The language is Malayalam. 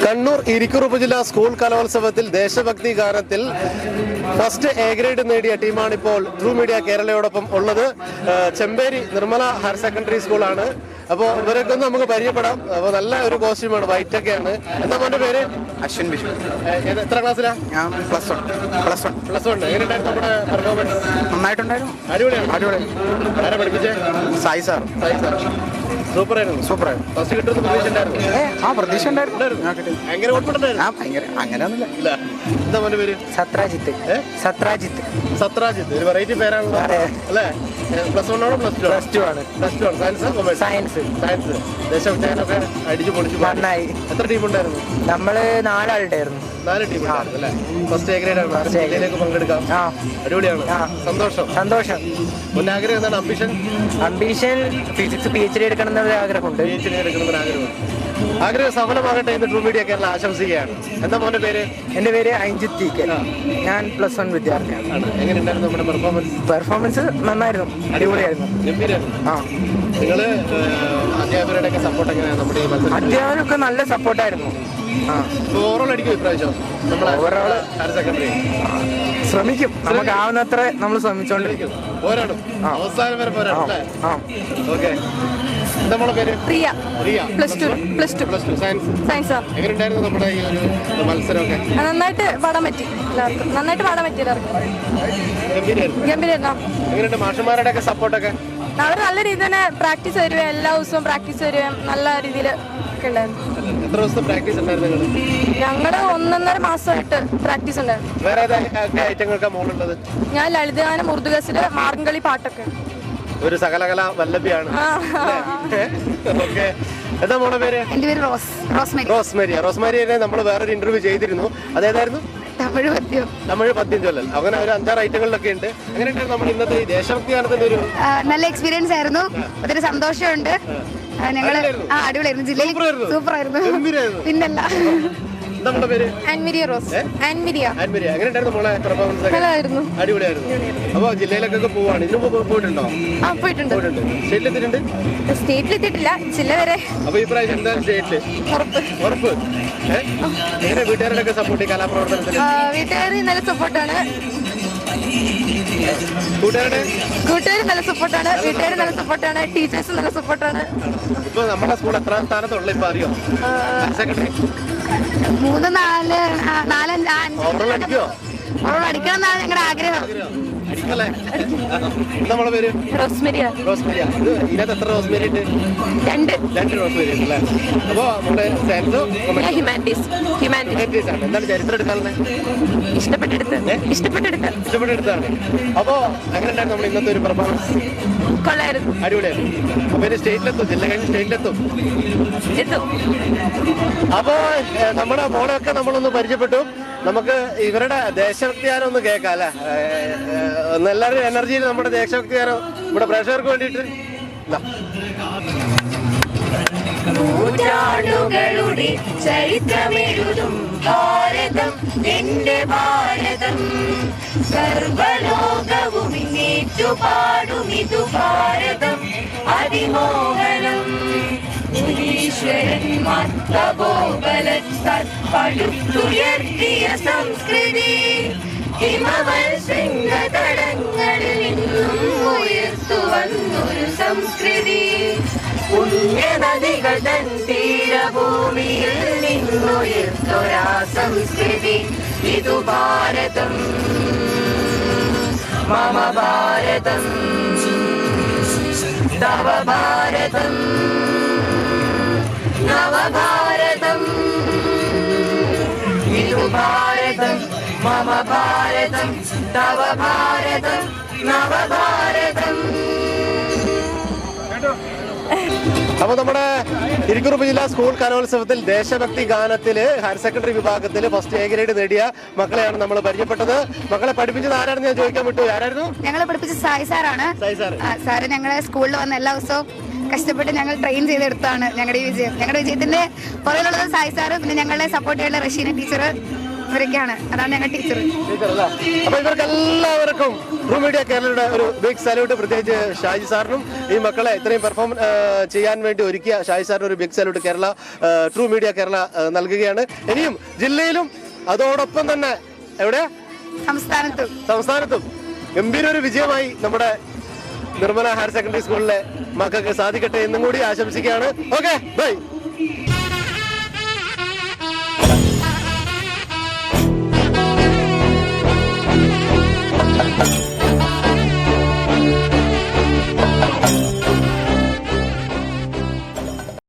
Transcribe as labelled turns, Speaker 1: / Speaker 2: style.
Speaker 1: കണ്ണൂർ ഇരിക്കൂർ ഉപജില്ലാ സ്കൂൾ കലോത്സവത്തിൽ ദേശഭക്തി ഗാനത്തിൽ ഫസ്റ്റ് എ ഗ്രേഡ് നേടിയ ടീമാണ് ഇപ്പോൾ ട്രൂ മീഡിയ കേരളയോടൊപ്പം ഉള്ളത്. ചെമ്പേരി നിർമ്മല ഹയർ സെക്കൻഡറി സ്കൂളാണ്. അപ്പോൾ ഇവരൊക്കെ ഒന്ന് നമുക്ക് പരിചയപ്പെടാം. അപ്പോൾ നല്ല ഒരു കോസ്റ്റ്യൂമാണ്, വൈറ്റ് ഒക്കെയാണ്. എന്താ മോന്റെ പേര്?
Speaker 2: അശ്വിൻ ബിഷു.
Speaker 1: എത്ര ക്ലാസ്സിലാ?
Speaker 2: ഞാൻ പ്ലസ് വൺ.
Speaker 1: എങ്ങനെയുണ്ടായിരുന്നു നമ്മുടെ പെർഫോമൻസ്?
Speaker 2: നന്നായിട്ടുണ്ടായിരുന്നു.
Speaker 1: അടിപൊളിയാണ്. ആരാ പഠിപ്പിച്ചേ?
Speaker 2: സായി സാർ.
Speaker 1: സൂപ്പറായിരുന്നു. ഫസ്റ്റ് കിട്ടുന്ന പ്രതീക്ഷ ഉണ്ടായിരുന്നു?
Speaker 2: പ്രതീക്ഷ ഉണ്ടായിരുന്നു.
Speaker 1: ഭയങ്കര കോൺഫിഡന്റ് ആയിരുന്നു.
Speaker 2: ഭയങ്കര അങ്ങനെയൊന്നുമില്ല.
Speaker 1: എന്താ മോന്റെ പേര്?
Speaker 2: സത്രാജിത്ത്.
Speaker 1: ഒരു വെറൈറ്റി പേരാണല്ലോ അല്ലേ? പ്ലസ് 1 ആണോ പ്ലസ് 2 ആണ്? സയൻസ്. ദേശഭക്തിയാനൊക്കെ അടിച്ചു പൊളിച്ചു നന്നായി. എത്ര ടീം ഉണ്ടായിരുന്നു?
Speaker 3: നമ്മള് 4 ആളുണ്ടായിരുന്നു.
Speaker 1: 4 ടീം ഉണ്ടായിരുന്നു അല്ലേ? ഫസ്റ്റ് എ ഗ്രേഡ് ആണ്. ജില്ലയിലേക്ക് പങ്കെടുക്കാം. അടിപൊളിയാണ്. സന്തോഷം. മുന്നാഗ്രഹം എന്താണ്? അംബിഷൻ ഫിസിക്സ് PhD എടുക്കണം എന്നൊരു ആഗ്രഹമുണ്ട്. ആഗ്രഹം സഫലമാകട്ടെ എന്ന് ട്രൂ മീഡിയ കേരള ആശംസിക്കുകയാണ്. എന്താ മോന്റെ പേര്?
Speaker 3: എന്റെ പേര് അഞ്ജിത്ത് TK. ഞാൻ പ്ലസ് 1 വിദ്യാർത്ഥിയാണ്.
Speaker 1: എങ്ങനെയുണ്ടായിരുന്നു നമ്മുടെ
Speaker 3: പെർഫോമൻസ്? നന്നായിരുന്നു, അടിപൊളിയായിരുന്നു.
Speaker 1: നിങ്ങള് അധ്യാപകരുടെ സപ്പോർട്ട് എങ്ങനെയാണ്? നമ്മുടെ
Speaker 3: അധ്യാപകരൊക്കെ നല്ല സപ്പോർട്ടായിരുന്നു.
Speaker 1: ഓവറോൾ അടിക്കും ഇപ്രാവശ്യം
Speaker 3: ഓവറോൾ
Speaker 1: ഹയർ സെക്കൻഡറി
Speaker 3: ശ്രമിക്കും. നമുക്ക് ആവുന്നത്ര നമ്മൾ ശ്രമിച്ചോണ്ടിരിക്കും.
Speaker 1: പോരാടും. അവസാനം വരെ പോരാടും അല്ലേ? ഓക്കെ. എന്താ മോളെ പേര്?
Speaker 4: പ്രിയ. Plus two
Speaker 1: science. എങ്ങനെയുണ്ടായിരുന്നു നമ്മുടെ ഈ ഒരു മത്സരമൊക്കെ?
Speaker 4: നന്നായിട്ട് പാടാൻ പറ്റി. എല്ലാവർക്കും ഗംഭീരായിരുന്നു.
Speaker 1: എങ്ങനെയുണ്ട് മാഷന്മാരുടെ ഒക്കെ സപ്പോർട്ടൊക്കെ?
Speaker 4: അവർ നല്ല രീതിയിൽ തന്നെ പ്രാക്ടീസ് തരുകയും എല്ലാ ദിവസവും പ്രാക്ടീസ് തരുകയും നല്ല രീതിയിൽ ഒക്കെ ഉണ്ടായിരുന്നു.
Speaker 1: എത്ര ദിവസത്തെ പ്രാക്ടീസ് ഉണ്ടായിരുന്നു?
Speaker 4: ഞങ്ങളുടെ 1.5 മാസമായിട്ട് പ്രാക്ടീസ് ഉണ്ടായിരുന്നു.
Speaker 1: വേറെ ഐറ്റങ്ങൾക്കാ മോളുള്ളത്?
Speaker 4: ഞാൻ ലളിതഗാനം, ഉറുദുഗസില്, മാർഗംകളി പാട്ടൊക്കെ.
Speaker 1: ഒരു സകലകല വല്ലഭിയാണ്. ഓക്കെ. എന്താ മോളെ പേര്?
Speaker 5: എന്റെ പേര്
Speaker 1: റോസ്മേരിയെ നമ്മൾ വേറൊരു ഇന്റർവ്യൂ ചെയ്തിരുന്നു. അതേതായിരുന്നു? തമിഴ് പദ്യം ചൊല്ലൽ. അങ്ങനെ ഒരു 5-6 ഐറ്റങ്ങളിലൊക്കെ ഉണ്ട്. അങ്ങനെയുണ്ട് നമ്മുടെ ഇന്നത്തെ ഈ ദേശഭക്തി ഗാനത്തിന്റെ ഒരു
Speaker 5: നല്ല എക്സ്പീരിയൻസ് ആയിരുന്നു. ഒത്തിരി സന്തോഷമുണ്ട്. ഞങ്ങള് അടിപൊളിയായിരുന്നു. ജില്ലയിൽ സൂപ്പറായിരുന്നു. പിന്നല്ല.
Speaker 1: നമ്മുടെ പേര്?
Speaker 4: ആൻമിരിയ റോസ്.
Speaker 1: എങ്ങനെയുണ്ടായിരുന്നു മോളെ പെർഫോമൻസ്?
Speaker 4: നല്ലതായിരുന്നു.
Speaker 1: അടിപൊളിയായിരുന്നു. അപ്പൊ ജില്ലയിലൊക്കെ പോവാണ്. ഇതിനു മുമ്പ് പോയിട്ടുണ്ടോ?
Speaker 4: പോയിട്ടുണ്ട്. സ്റ്റേറ്റിലെത്തിയിട്ടില്ല, ജില്ല വരെ.
Speaker 1: അപ്പൊ ഈ പ്രാവശ്യം എന്താ സ്റ്റേറ്റില്? ഉറപ്പ്. എങ്ങനെ വീട്ടുകാരുടെ സപ്പോർട്ട് ഈ കലാപ്രവർത്തനത്തിന്?
Speaker 4: വീട്ടുകാർ നല്ല സപ്പോർട്ടാണ്.
Speaker 1: കൂട്ടുകാർ
Speaker 4: നല്ല സപ്പോർട്ടാണ്. വീട്ടുകാർ നല്ല സപ്പോർട്ടാണ്. ടീച്ചേഴ്സ് നല്ല സപ്പോർട്ടാണ്.
Speaker 1: ഇപ്പൊ നമ്മുടെ സ്കൂൾ എത്രാം സ്ഥാനത്തുള്ള ഇപ്പൊ അറിയോ? സെക്രട്ടറി
Speaker 5: 3, 4, 5
Speaker 1: ഓവറോൾ അടിക്കോ?
Speaker 5: അടിക്കണം എന്നാണ് ഞങ്ങളുടെ ആഗ്രഹം.
Speaker 1: അടിക്കല്ലേ? നമ്മളെ പേര്?
Speaker 4: റോസ്മേരിയ.
Speaker 1: ഇതിനകത്ത് എത്ര റോസ്മേരി ഉണ്ട്? 2 റോസ്മേരി ഉണ്ട് അല്ലേ? അപ്പൊ നമ്മുടെ
Speaker 4: ഹ്യൂമാനിറ്റീസ്
Speaker 1: ആണ്. എന്താണ് ചരിത്രം എടുക്കാറുള്ളത്? ഇഷ്ടപ്പെട്ടെടുത്താണ്. അപ്പൊ അങ്ങനെയുണ്ടായിരുന്നു നമ്മൾ ഇന്നത്തെ ഒരു പെർഫോമൻസ്?
Speaker 4: കൊള്ളായിരുന്നു.
Speaker 1: അടിപൊളിയായിരുന്നു. അപ്പൊ ഇത് സ്റ്റേറ്റിലെത്തും, ജില്ല കഴിഞ്ഞ് സ്റ്റേറ്റിലെത്തും. അപ്പോ നമ്മുടെ മോളെയൊക്കെ നമ്മളൊന്ന് പരിചയപ്പെട്ടു. നമുക്ക് ഇവരുടെ ദേശഭക്തി ഗാനം ഒന്ന് കേൾക്കാം അല്ലെ? എല്ലാവരും എനർജിയിൽ നമ്മുടെ ദേശഭക്തി ഗാനം ഇവിടെ പ്രേക്ഷകർക്ക് വേണ്ടിയിട്ട്
Speaker 6: നൂറ്റാണ്ടുകളുടെ ചരിത്രമെഴുതും ഭാരതം എന്റെ ഭാരതം, സർവലോകവും ഏറ്റുപാടുമിതു ഭാരതം അതിമോഹനം. ഈശ്വരന്മാർ തപോബലത്താൽ പടുത്തുയർത്തിയ സംസ്കൃതി ഹിമവൽ ശൃംഗതടങ്ങളിൽ നിന്നും ഉയർത്തുവന്നൊരു സംസ്കൃതി. പുണ്യനദികൾ തൻ തീരഭൂമിയിൽ നിന്നുയർത്തുരാ സംസ്കൃതി ഇതു ഭാരതം, മമ ഭാരതം, തവ ഭാരതം, നവഭാരതം ഇതു ഭാരതം, മമ ഭാരതം, തവ ഭാരതം, നവഭാരതം.
Speaker 1: അപ്പൊ നമ്മുടെ ഇരിക്കൂർ ഉപജില്ലാ സ്കൂൾ കലോത്സവത്തിൽ ദേശഭക്തി ഗാനത്തില് ഹയർ സെക്കൻഡറി വിഭാഗത്തിൽ ഫസ്റ്റ് എ ഗ്രേഡ് നേടിയ മക്കളെയാണ് നമ്മൾ പരിചയപ്പെട്ടത്. മക്കളെ പഠിപ്പിച്ചത് ആരാണെന്ന് ഞാൻ ചോദിക്കാൻ വിട്ടു. ആരായിരുന്നു?
Speaker 5: ഞങ്ങളെ പഠിപ്പിച്ചത് സായി സാറാണ്. സാറ് ഞങ്ങളെ സ്കൂളിൽ വന്ന് എല്ലാ ദിവസവും കഷ്ടപ്പെട്ട് ഞങ്ങൾ ട്രെയിൻ ചെയ്തെടുത്താണ് ഞങ്ങളുടെ ഈ വിജയം. ഞങ്ങളുടെ വിജയത്തിന്റെ പുറകിലുള്ളത് സായി സാറ്, പിന്നെ ഞങ്ങളെ സപ്പോർട്ട് ചെയ്യാനുള്ള റഷീന ടീച്ചർ, ഇവരൊക്കെയാണ്. അതാണ് ഞങ്ങൾ ടീച്ചർ.
Speaker 1: അപ്പൊ ഇവർക്ക് എല്ലാവർക്കും ട്രൂ മീഡിയ കേരളയുടെ ഒരു ബിഗ് സല്യൂട്ട്. പ്രത്യേകിച്ച് ഷാജി സാറിനും ഈ മക്കളെ ഇത്രയും പെർഫോം ചെയ്യാൻ വേണ്ടി ഒരുക്കിയ ഷാജി സാറിന് ഒരു big salute Kerala true media Kerala നൽകുകയാണ്. ഇനിയും ജില്ലയിലും അതോടൊപ്പം തന്നെ എവിടെ സംസ്ഥാനത്തും ഗംഭീര ഒരു വിജയമായി നമ്മുടെ നിർമ്മല ഹയർ സെക്കൻഡറി സ്കൂളിലെ മക്കൾക്ക് സാധിക്കട്ടെ എന്നും കൂടി ആശംസിക്കുകയാണ്. Okay, by.